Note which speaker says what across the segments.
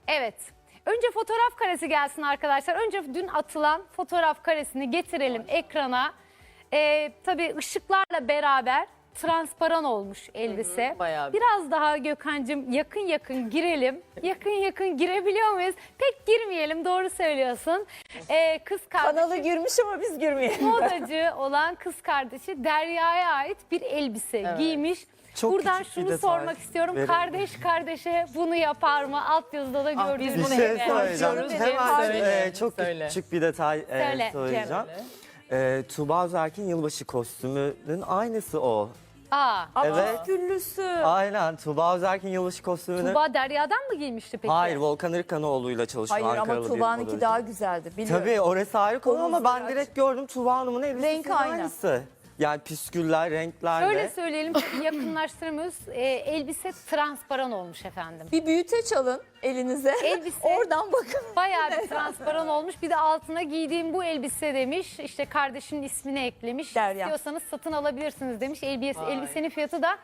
Speaker 1: Evet. Önce fotoğraf karesi gelsin arkadaşlar. Önce dün atılan fotoğraf karesini getirelim ekrana. Tabii ışıklarla beraber transparan olmuş elbise.
Speaker 2: Bayağı bir.
Speaker 1: Biraz daha Gökhan'cığım yakın girelim. Yakın girebiliyor muyuz? Pek girmeyelim, doğru söylüyorsun. Kız kardeşi,
Speaker 3: Kanalı girmiş ama biz girmeyelim.
Speaker 1: modacı olan kız kardeşi Derya'ya ait bir elbise giymiş.
Speaker 4: Çok
Speaker 1: Buradan
Speaker 4: küçük bir
Speaker 1: şunu
Speaker 4: detay
Speaker 1: sormak istiyorum.
Speaker 4: verelim.
Speaker 1: Kardeş kardeşe bunu yapar mı? Alt yazıda da gördüğünüz
Speaker 2: biz
Speaker 4: Bir
Speaker 2: bunu
Speaker 4: şey
Speaker 2: hep
Speaker 4: söyleyeceğim.
Speaker 2: konuşuyoruz.
Speaker 4: Hemen
Speaker 2: Söyle,
Speaker 4: çok
Speaker 2: söyle.
Speaker 4: küçük bir detay
Speaker 1: Söyle,
Speaker 4: söyleyeceğim. Tuğba Özerk'in yılbaşı kostümünün aynısı o. Evet.
Speaker 3: Güllüsü.
Speaker 4: Aynen, Tuğba Özerk'in yılbaşı kostümünü.
Speaker 1: Tuğba Derya'dan mı giymişti peki?
Speaker 4: Hayır, Volkan Irkanoğlu'yla çalışıyor.
Speaker 3: Hayır ama
Speaker 4: Ankaralı bir
Speaker 3: Tuğba'nınki
Speaker 4: modacı.
Speaker 3: daha güzeldi. Biliyorum.
Speaker 4: Tabii orası ayrı konu ama
Speaker 3: Omuzları
Speaker 4: ben direkt gördüm Tuğba Hanım'ın elbisesinin
Speaker 3: Renk aynı.
Speaker 4: aynısı. Yani püsküller, renklerle.
Speaker 1: Şöyle söyleyelim, çünkü yakınlaştırmıyoruz. Elbise transparan olmuş efendim.
Speaker 3: Bir büyüteç alın elinize.
Speaker 1: Elbise
Speaker 3: Oradan bakın.
Speaker 1: bayağı bir transparan olmuş. Bir de altına giydiğim bu elbise demiş. İşte kardeşinin ismini eklemiş.
Speaker 3: Derya.
Speaker 1: İstiyorsanız satın alabilirsiniz demiş. Elbisenin fiyatı da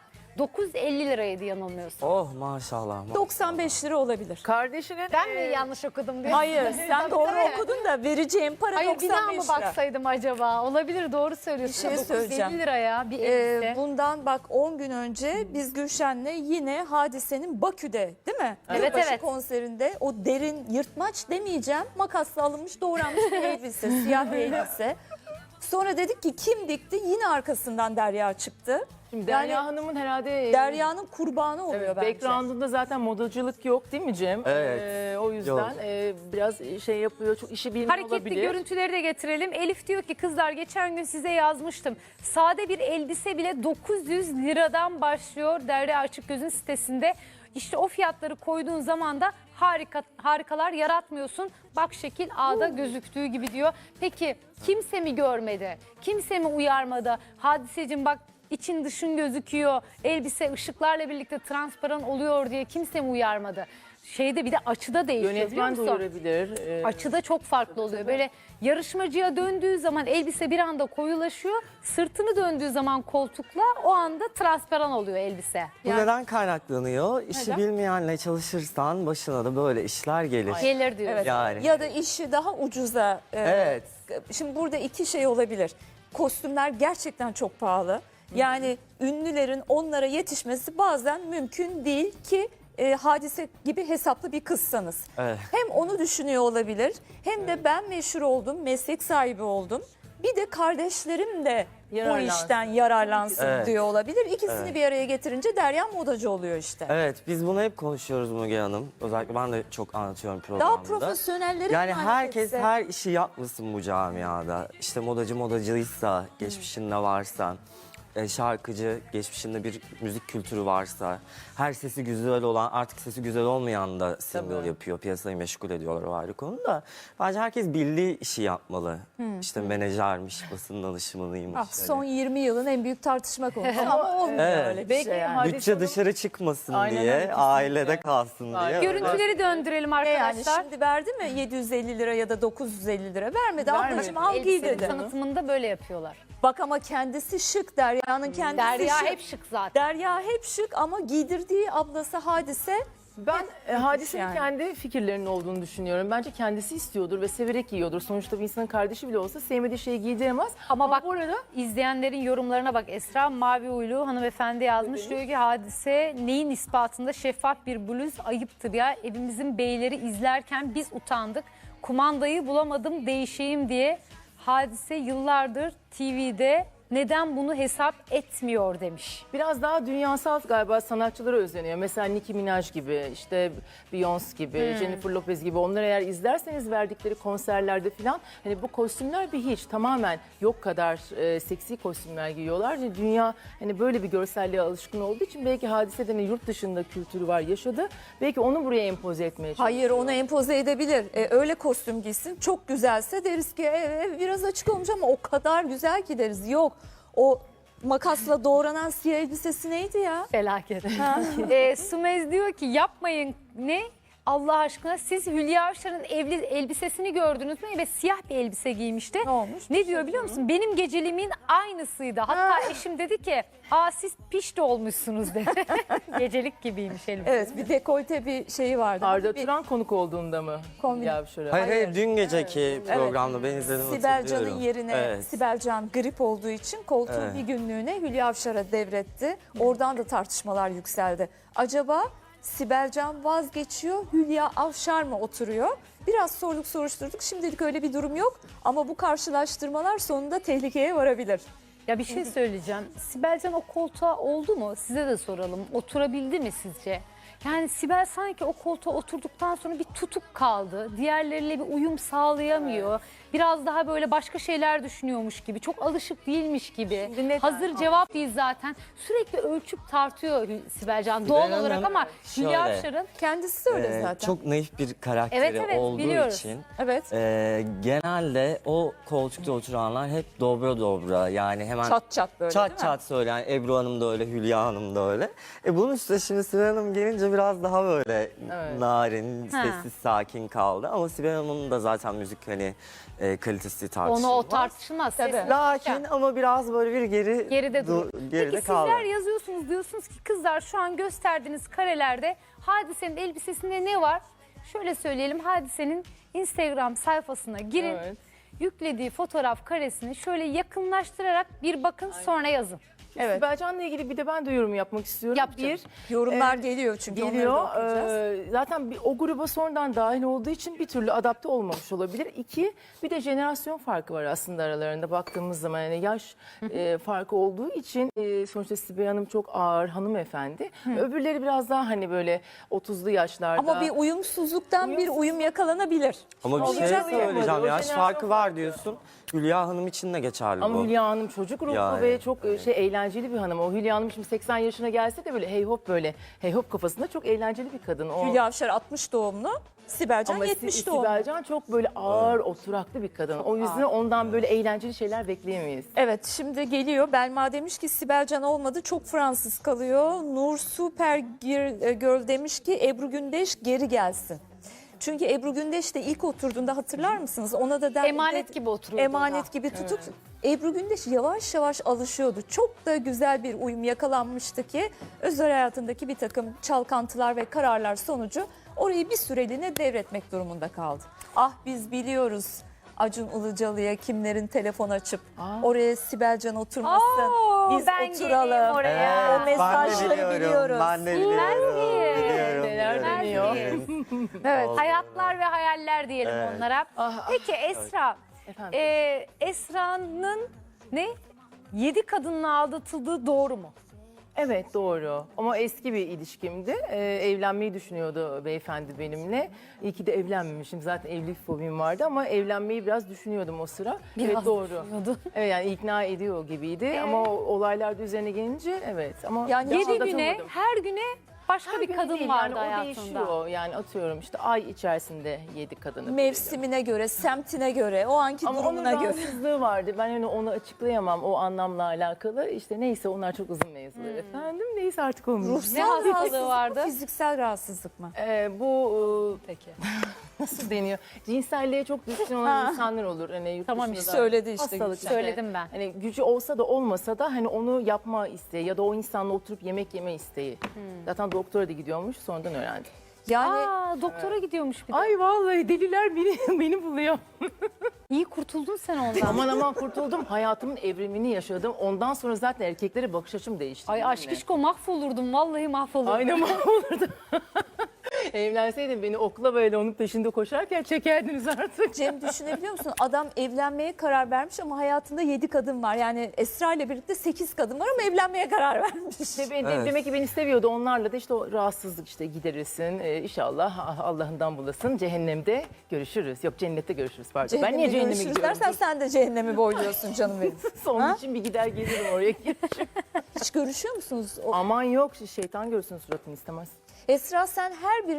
Speaker 1: 950 liraydı yanılmıyorsam.
Speaker 4: Oh maşallah.
Speaker 3: 95 lira olabilir.
Speaker 2: Kardeşinin
Speaker 1: Ben mi yanlış okudum diye.
Speaker 3: Hayır sen doğru
Speaker 1: Tabii.
Speaker 3: okudun da vereceğim para
Speaker 1: Hayır, bir
Speaker 3: 95
Speaker 1: daha mı
Speaker 3: lira.
Speaker 1: baksaydım acaba? Olabilir, doğru söylüyorsun.
Speaker 3: Bir şey
Speaker 1: 950
Speaker 3: söyleyeceğim.
Speaker 1: liraya bir elbise.
Speaker 3: Bundan bak 10 gün önce biz Gülşen'le yine Hadise'nin Bakü'de değil mi?
Speaker 1: Evet,
Speaker 3: Yılbaşı
Speaker 1: evet.
Speaker 3: konserinde o derin yırtmaç demeyeceğim. Makasla alınmış doğranmış bir elbise, siyah bir elbise. Sonra dedik ki kim dikti? Yine arkasından Derya çıktı.
Speaker 2: Şimdi Derya Hanım'ın herhalde
Speaker 3: Derya'nın kurbanı oluyor
Speaker 2: evet,
Speaker 3: bence.
Speaker 2: background'unda zaten modacılık yok değil mi Cem?
Speaker 4: Evet,
Speaker 2: O yüzden
Speaker 4: yok.
Speaker 2: biraz şey yapıyor, çok işi bilmiyor
Speaker 1: Hareketli
Speaker 2: olabilir.
Speaker 1: görüntüleri de getirelim. Elif diyor ki kızlar geçen gün size yazmıştım. Sade bir elbise bile 900 liradan başlıyor Derya Açıkgöz'ün sitesinde. İşte o fiyatları koyduğun zaman da harikalar yaratmıyorsun. Bak şekil A'da gözüktüğü gibi diyor. Peki kimse mi görmedi? Kimse mi uyarmadı? Hadiseciğim bak için dışın gözüküyor. Elbise ışıklarla birlikte transparan oluyor diye kimse mi uyarmadı? Şeyde bir de açıda değişiyor, biliyor
Speaker 2: Yönetmen
Speaker 1: musun?
Speaker 2: duyurabilir.
Speaker 1: Açıda çok farklı oluyor. Böyle yarışmacıya döndüğü zaman elbise bir anda koyulaşıyor. Sırtını döndüğü zaman koltukla o anda transparan oluyor elbise.
Speaker 4: Bu neden kaynaklanıyor? İşi bilmeyenle çalışırsan başına da böyle işler gelir.
Speaker 1: Gelir diyor.
Speaker 3: Evet.
Speaker 4: Yani.
Speaker 3: Ya da işi daha ucuza.
Speaker 4: Evet.
Speaker 3: Şimdi burada iki şey olabilir. Kostümler gerçekten çok pahalı. Yani ünlülerin onlara yetişmesi bazen mümkün değil ki Hadise gibi hesaplı bir kızsanız.
Speaker 4: Evet.
Speaker 3: Hem onu düşünüyor olabilir hem de ben meşhur oldum, meslek sahibi oldum. Bir de kardeşlerim de bu
Speaker 2: Yararlansın.
Speaker 3: işten yararlansın
Speaker 4: Evet.
Speaker 3: diyor olabilir. İkisini
Speaker 4: Evet.
Speaker 3: bir araya getirince Derya modacı oluyor işte.
Speaker 4: Evet, biz bunu hep konuşuyoruz Müge Hanım. Özellikle ben de çok anlatıyorum programda.
Speaker 3: Daha profesyonelleri
Speaker 4: Yani
Speaker 3: emanet
Speaker 4: herkes
Speaker 3: etse.
Speaker 4: her işi yapmasın bu camiada. İşte modacıysa, geçmişinde varsa, şarkıcı, geçmişinde bir müzik kültürü varsa, her sesi güzel olan, artık sesi güzel olmayan da single
Speaker 2: Tabii.
Speaker 4: yapıyor, piyasayı meşgul ediyorlar, o ayrı konu da. Bence herkes bildiği işi yapmalı. İşte menajermiş, basın danışmanıymış.
Speaker 3: Ah, son 20 yılın en büyük tartışma konusu ama olmuyor
Speaker 4: Evet.
Speaker 3: öyle bir
Speaker 2: Belki
Speaker 3: şey yani.
Speaker 2: Hadise
Speaker 4: Bütçe
Speaker 2: Hanım-
Speaker 4: dışarı çıkmasın
Speaker 2: Aynen öyle,
Speaker 4: diye,
Speaker 2: kesinlikle.
Speaker 4: ailede kalsın diye.
Speaker 2: Aynen.
Speaker 1: Görüntüleri döndürelim
Speaker 3: Yani
Speaker 1: arkadaşlar.
Speaker 3: şimdi verdi mi 750 lira ya da 950 lira? Vermedi ablacığım, al giy
Speaker 1: Elbisenin
Speaker 3: dedi.
Speaker 1: tanıtımında böyle yapıyorlar.
Speaker 3: Bak ama kendisi şık, Derya'nın kendisi
Speaker 1: Derya
Speaker 3: şık.
Speaker 1: hep şık zaten.
Speaker 3: Derya hep şık ama giydirdiği ablası Hadise.
Speaker 2: Ben Hadise'nin
Speaker 3: yani.
Speaker 2: kendi fikirlerinin olduğunu düşünüyorum. Bence kendisi istiyordur ve severek giyiyordur. Sonuçta bir insanın kardeşi bile olsa sevmediği şeyi giydiremez.
Speaker 1: Ama bak
Speaker 2: bu arada
Speaker 1: izleyenlerin yorumlarına bak. Esra Mavi Uylu hanımefendi yazmış. Diyor ki Hadise neyin ispatında şeffaf bir bluz ayıptır ya. Evimizin beyleri izlerken biz utandık. Kumandayı bulamadım değişeyim diye. Hadise yıllardır TV'de neden bunu hesap etmiyor demiş.
Speaker 2: biraz daha dünyasal galiba sanatçılara özleniyor. Mesela Nicki Minaj gibi, işte Beyoncé gibi, Jennifer Lopez gibi. Onları eğer izlerseniz verdikleri konserlerde falan hani bu kostümler bir hiç tamamen yok kadar seksi kostümler giyiyorlar. Yani dünya hani böyle bir görselliğe alışkın olduğu için belki Hadise'den yurt dışında kültürü var, yaşadı. Belki onu buraya empoze etmeye çalışıyor.
Speaker 3: Hayır, onu empoze edebilir. Öyle kostüm giysin. Çok güzelse deriz ki biraz açık olmuş ama o kadar güzel ki deriz. Yok, o makasla doğranan siyah elbisesi neydi ya?
Speaker 1: Felaket. Sumez diyor ki yapmayın ne? Allah aşkına siz Hülya Avşar'ın evli elbisesini gördünüz mü? Evet, siyah bir elbise giymişti.
Speaker 3: Ne olmuş?
Speaker 1: Ne diyor biliyor musun? Benim geceliğimin aynısıydı. Hatta eşim dedi ki siz pişti olmuşsunuz dedi. Gecelik gibiymiş elbise.
Speaker 3: Evet, bir dekolte bir şeyi vardı.
Speaker 2: Arda
Speaker 3: Bir
Speaker 2: Turan konuk olduğunda mı?
Speaker 3: Kombin.
Speaker 2: Ya şöyle.
Speaker 4: Hayır, dün geceki programda ben izledim,
Speaker 3: Sibel
Speaker 4: hatırlıyorum.
Speaker 3: Can'ın yerine
Speaker 4: Evet.
Speaker 3: Sibel Can grip olduğu için koltuğu
Speaker 4: Evet.
Speaker 3: bir günlüğüne Hülya Avşar'a devretti. Oradan da tartışmalar yükseldi. Acaba Sibel Can vazgeçiyor, Hülya Avşar mı oturuyor? Biraz sorduk soruşturduk. Şimdilik öyle bir durum yok. Ama bu karşılaştırmalar sonunda tehlikeye varabilir.
Speaker 1: Ya bir şey söyleyeceğim. Sibel Can o koltuğa oldu mu? Size de soralım. Oturabildi mi sizce? Yani Sibel sanki o koltuğa oturduktan sonra bir tutuk kaldı. Diğerleriyle bir uyum sağlayamıyor. Biraz daha böyle başka şeyler düşünüyormuş gibi. Çok alışık değilmiş gibi.
Speaker 2: Şimdi neden?
Speaker 1: Hazır cevap değil zaten. Sürekli ölçüp tartıyor Sibel Can doğal
Speaker 4: Sibel
Speaker 1: olarak
Speaker 4: Hanım
Speaker 1: ama Hülya
Speaker 4: şöyle,
Speaker 1: Avşar'ın
Speaker 3: Kendisi de öyle zaten.
Speaker 4: Çok naif bir karakteri
Speaker 1: Evet,
Speaker 4: olduğu
Speaker 1: biliyoruz.
Speaker 4: için
Speaker 3: Evet.
Speaker 4: genelde o koltukta oturanlar hep dobra dobra, yani hemen
Speaker 3: Çat çat böyle değil mi?
Speaker 4: çat çat söyleyen. Ebru Hanım da öyle, Hülya Hanım da öyle. Bunun üstüne şimdi Sibel Hanım gelince biraz daha böyle narin,
Speaker 1: Ha.
Speaker 4: sessiz, sakin kaldı. Ama Sibel Hanım'ın da zaten müzik kalitesi tartışılmaz.
Speaker 1: onu o tartışılmaz.
Speaker 3: Tabii.
Speaker 1: Sesli
Speaker 4: Lakin ama biraz böyle bir
Speaker 1: geride dur.
Speaker 4: geride
Speaker 1: Peki
Speaker 4: kaldı.
Speaker 1: sizler yazıyorsunuz, diyorsunuz ki kızlar şu an gösterdiğiniz karelerde Hadise'nin elbisesinde ne var? Şöyle söyleyelim, Hadise'nin Instagram sayfasına girin.
Speaker 2: Evet.
Speaker 1: Yüklediği fotoğraf karesini şöyle yakınlaştırarak bir bakın, sonra yazın.
Speaker 3: Evet.
Speaker 2: Sibel Can'la ilgili bir de ben de yorum yapmak istiyorum.
Speaker 1: Yap canım.
Speaker 3: Yorumlar geliyor çünkü
Speaker 2: Geliyor.
Speaker 3: onları da okuyacağız.
Speaker 2: Zaten o gruba sonradan dahil olduğu için bir türlü adapte olmamış olabilir. İki, bir de jenerasyon farkı var aslında aralarında baktığımız zaman. Yani yaş farkı olduğu için sonuçta Sibel Hanım çok ağır hanımefendi. Öbürleri biraz daha hani böyle 30'lu yaşlarda.
Speaker 3: Ama bir uyumsuzluktan bir uyum yakalanabilir.
Speaker 4: Ama bir şey
Speaker 2: Olacak
Speaker 4: söyleyeceğim,
Speaker 2: yani.
Speaker 4: yaş
Speaker 2: O
Speaker 4: farkı var diyorsun. Hülya Hanım için de geçerli
Speaker 2: Ama
Speaker 4: bu.
Speaker 2: Hülya Hanım çocuk ruhlu
Speaker 4: Yani,
Speaker 2: ve çok eğlenceli bir hanım. O Hülya Hanım şimdi 80 yaşına gelse de böyle hey hop kafasında çok eğlenceli bir kadın. O...
Speaker 3: Hülya Avşar 60 doğumlu, Sibel Can
Speaker 2: Ama
Speaker 3: 70 doğumlu.
Speaker 2: Sibel Can çok böyle ağır, oturaklı bir kadın. O yüzden ondan böyle eğlenceli şeyler bekleyemeyiz.
Speaker 3: Evet, şimdi geliyor. Belma demiş ki Sibel Can olmadı, çok Fransız kalıyor. Nur Super Girl demiş ki Ebru Gündeş geri gelsin. Çünkü Ebru Gündeş de ilk oturduğunda hatırlar mısınız? Ona da
Speaker 1: Emanet gibi oturuyordu
Speaker 3: Emanet
Speaker 1: ona.
Speaker 3: gibi tutup Ebru Gündeş yavaş yavaş alışıyordu. Çok da güzel bir uyum yakalanmıştı ki özel hayatındaki bir takım çalkantılar ve kararlar sonucu orayı bir süreliğine devretmek durumunda kaldı. Ah biz biliyoruz Acun Ilıcalı'ya kimlerin telefon açıp oraya Sibel Can oturmasın. Biz
Speaker 1: ben
Speaker 3: oturalım.
Speaker 1: geleyim oraya.
Speaker 3: O mesajları biliyoruz.
Speaker 4: Ben de biliyorum. Biliyorum.
Speaker 2: Neler deniyor.
Speaker 3: Evet.
Speaker 1: Hayatlar ve hayaller diyelim onlara. Peki Esra,
Speaker 2: Efendim?
Speaker 1: Esra'nın 7 kadınla aldatıldığı doğru mu?
Speaker 2: Evet doğru ama eski bir ilişkimdi. Evlenmeyi düşünüyordu beyefendi benimle. İyi ki de evlenmemişim. Zaten evlilik fobim vardı ama evlenmeyi biraz düşünüyordum o sıra. Evet doğru.
Speaker 1: düşünüyordun.
Speaker 2: Evet yani ikna ediyor gibiydi ama olaylar da üzerine gelince evet. Ama
Speaker 1: 7 güne,
Speaker 2: aldatılmadım.
Speaker 1: her güne başka bir
Speaker 2: Gün
Speaker 1: kadın
Speaker 2: değil,
Speaker 1: vardı
Speaker 2: yani o
Speaker 1: hayatında.
Speaker 2: değişiyor. Yani atıyorum işte ay içerisinde 7 kadını.
Speaker 3: Mevsimine göre, semtine göre, o anki
Speaker 2: Ama onun
Speaker 3: durumuna göre.
Speaker 2: rahatsızlığı vardı. Ben hani onu açıklayamam o anlamla alakalı. İşte neyse onlar çok uzun mevzular efendim. Neyse artık olmuş.
Speaker 3: Ruhsal
Speaker 1: Ne hastalığı
Speaker 3: rahatsızlık mı,
Speaker 1: vardı?
Speaker 3: fiziksel rahatsızlık mı?
Speaker 2: Bu
Speaker 1: Peki.
Speaker 2: nasıl deniyor? Cinselliğe çok düşkün olan insanlar olur. Hani yurt
Speaker 1: Tamam,
Speaker 2: dışında da
Speaker 3: söyledi işte
Speaker 2: hastalık
Speaker 3: Gülşen.
Speaker 1: Söyledim ben.
Speaker 2: Hani gücü olsa da olmasa da hani onu yapma isteği ya da o insanla oturup yemek yeme isteği. Zaten doktora da gidiyormuş sonradan öğrendim.
Speaker 3: Yani
Speaker 1: Doktora gidiyormuş bir de.
Speaker 2: Ay vallahi deliler beni buluyor.
Speaker 1: İyi kurtuldun sen ondan.
Speaker 2: Aman kurtuldum. Hayatımın evrimini yaşadım. Ondan sonra zaten erkeklere bakış açım değişti.
Speaker 1: Ay aşkışko mahvolurdum, vallahi mahvolurdum.
Speaker 2: Aynen mahvolurdu. Evlenseydin beni okula böyle onun peşinde koşarken çekerdiniz artık.
Speaker 3: Cem düşünebiliyor musun? Adam evlenmeye karar vermiş ama hayatında 7 kadın var. Yani Esra ile birlikte 8 kadın var ama evlenmeye karar vermiş.
Speaker 4: Evet.
Speaker 2: Demek ki beni seviyordu. Onlarla da işte o rahatsızlık işte giderirsin. İnşallah Allah'ından bulasın. Cehennemde görüşürüz. Yok cennette görüşürüz pardon. Ben niye cehenneme
Speaker 3: görüşürüz
Speaker 2: gidiyorum?
Speaker 3: dersen sen de cehennemi boyluyorsun canım benim.
Speaker 2: Onun
Speaker 3: Ha?
Speaker 2: için bir gider gelirim oraya.
Speaker 3: Hiç görüşüyor musunuz?
Speaker 2: Aman yok şeytan görsün suratını istemez.
Speaker 3: Esra sen her birine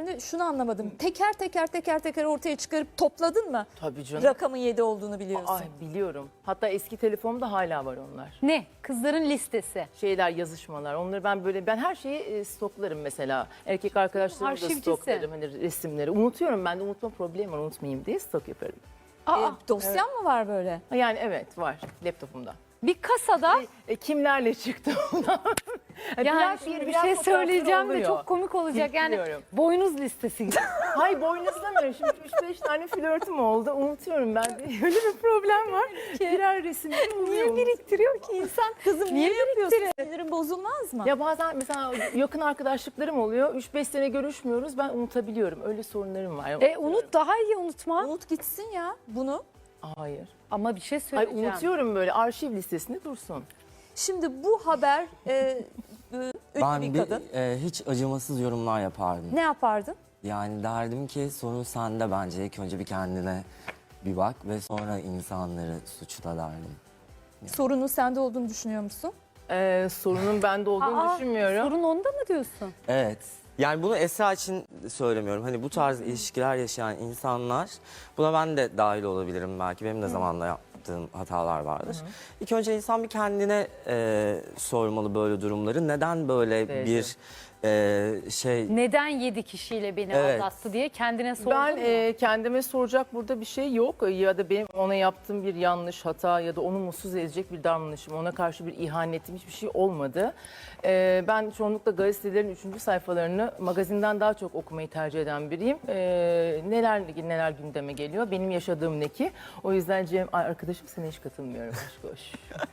Speaker 3: sebeplerini şunu anlamadım. Teker teker ortaya çıkarıp topladın mı?
Speaker 2: Tabii canım.
Speaker 3: Rakamın 7 olduğunu biliyorsun.
Speaker 2: Ay biliyorum. Hatta eski telefonumda hala var onlar.
Speaker 1: Ne? Kızların listesi.
Speaker 2: Şeyler, yazışmalar. Onları ben her şeyi stoklarım mesela. Erkek arkadaşlarımı da
Speaker 1: Arşivcisin.
Speaker 2: stoklarım. Hani resimleri. Unutuyorum, ben de unutma problemi var, unutmayayım diye stok yaparım.
Speaker 1: Aa,
Speaker 3: Dosyan mı var böyle?
Speaker 2: Yani evet, var laptopumda.
Speaker 1: bir kasada
Speaker 2: Kimlerle çıktı ona?
Speaker 1: yani bir şey söyleyeceğim de çok komik olacak. Yani
Speaker 2: Biliyorum.
Speaker 1: boynuz listesi gibi.
Speaker 2: Hayır, boynuzlamıyorum. Şimdi 3-5 tane flörtüm oldu. Unutuyorum ben de. Öyle bir problem var. Birer resim
Speaker 3: Niye biriktiriyor ki insan? Kızım niye yapıyorsun? Sinirin bozulmaz mı?
Speaker 2: Ya bazen mesela yakın arkadaşlıklarım oluyor. 3-5 sene görüşmüyoruz. Ben unutabiliyorum. Öyle sorunlarım var.
Speaker 1: Unut, daha iyi unutma.
Speaker 3: Unut gitsin ya bunu.
Speaker 2: Hayır.
Speaker 1: Ama bir şey
Speaker 2: Hayır,
Speaker 1: söyleyeceğim.
Speaker 2: unutuyorum, böyle arşiv listesinde dursun.
Speaker 3: Şimdi bu haber ünlü
Speaker 4: Ben
Speaker 3: bir kadın.
Speaker 4: hiç acımasız yorumlar yapardım.
Speaker 3: Ne yapardın?
Speaker 4: Yani derdim ki sorun sende bence. İlk önce bir kendine bir bak ve sonra insanları suçla derdim.
Speaker 3: Sorunun sende olduğunu düşünüyor musun?
Speaker 2: Sorunun bende olduğunu düşünmüyorum.
Speaker 1: Sorun onda mı diyorsun?
Speaker 4: Evet. Yani bunu Esra için söylemiyorum. Hani bu tarz ilişkiler yaşayan insanlar, buna ben de dahil olabilirim belki. Benim de zamanla yaptığım hatalar vardır. İlk önce insan bir kendine sormalı böyle durumları. Neden böyle
Speaker 2: Evet.
Speaker 4: bir şey...
Speaker 1: Neden 7 kişiyle beni
Speaker 4: Evet.
Speaker 1: aldattı diye kendine sordun
Speaker 2: Ben
Speaker 1: mu?
Speaker 2: kendime soracak burada bir şey yok. Ya da benim ona yaptığım bir yanlış hata ya da onu mutsuz edecek bir davranışım, ona karşı bir ihanetim, hiçbir şey olmadı. Ben çoğunlukla gazetelerin 3. sayfalarını magazinden daha çok okumayı tercih eden biriyim. Neler gündeme geliyor, benim yaşadığım ne ki. O yüzden Cem, arkadaşım, sana hiç katılmıyorum. Aşk hoş.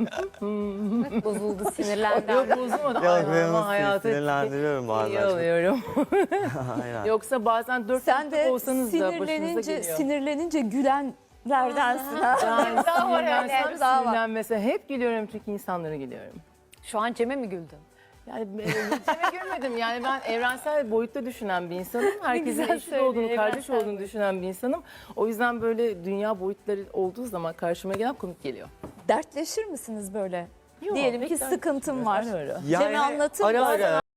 Speaker 1: Bozuldu, sinirlendi.
Speaker 2: Yok, bozulmadı.
Speaker 4: Ya
Speaker 2: Ay,
Speaker 4: ben
Speaker 2: ama
Speaker 4: onu
Speaker 2: hayatı
Speaker 4: sinirlendiriyorum
Speaker 2: iyi
Speaker 4: bazen.
Speaker 2: alıyorum.
Speaker 4: Aynen.
Speaker 2: Yoksa bazen 4
Speaker 3: Sen de
Speaker 2: olsanız da başınıza geliyor.
Speaker 3: sinirlenince gülenlerdensin. Ha?
Speaker 2: Yani
Speaker 3: Daha var öyle,
Speaker 2: sinirlensem
Speaker 3: daha var.
Speaker 2: sinirlenmesem hep gülüyorum, çünkü insanlara gülüyorum.
Speaker 1: Şu an Cem'e mi güldün?
Speaker 2: Yani Cem'e gülmedim. Yani ben evrensel boyutta düşünen bir insanım. Herkesin
Speaker 1: güzel
Speaker 2: eşit
Speaker 1: söylüyor,
Speaker 2: olduğunu, kardeş
Speaker 1: evrensel
Speaker 2: olduğunu düşünen bir insanım. O yüzden böyle dünya boyutları olduğu zaman karşıma gelen komik geliyor.
Speaker 3: Dertleşir misiniz böyle?
Speaker 2: Yok,
Speaker 3: Diyelim ki
Speaker 2: pek
Speaker 3: sıkıntım var.
Speaker 2: Ara ara.
Speaker 3: Cem'e anlatır
Speaker 4: ara
Speaker 3: mısın?
Speaker 4: ara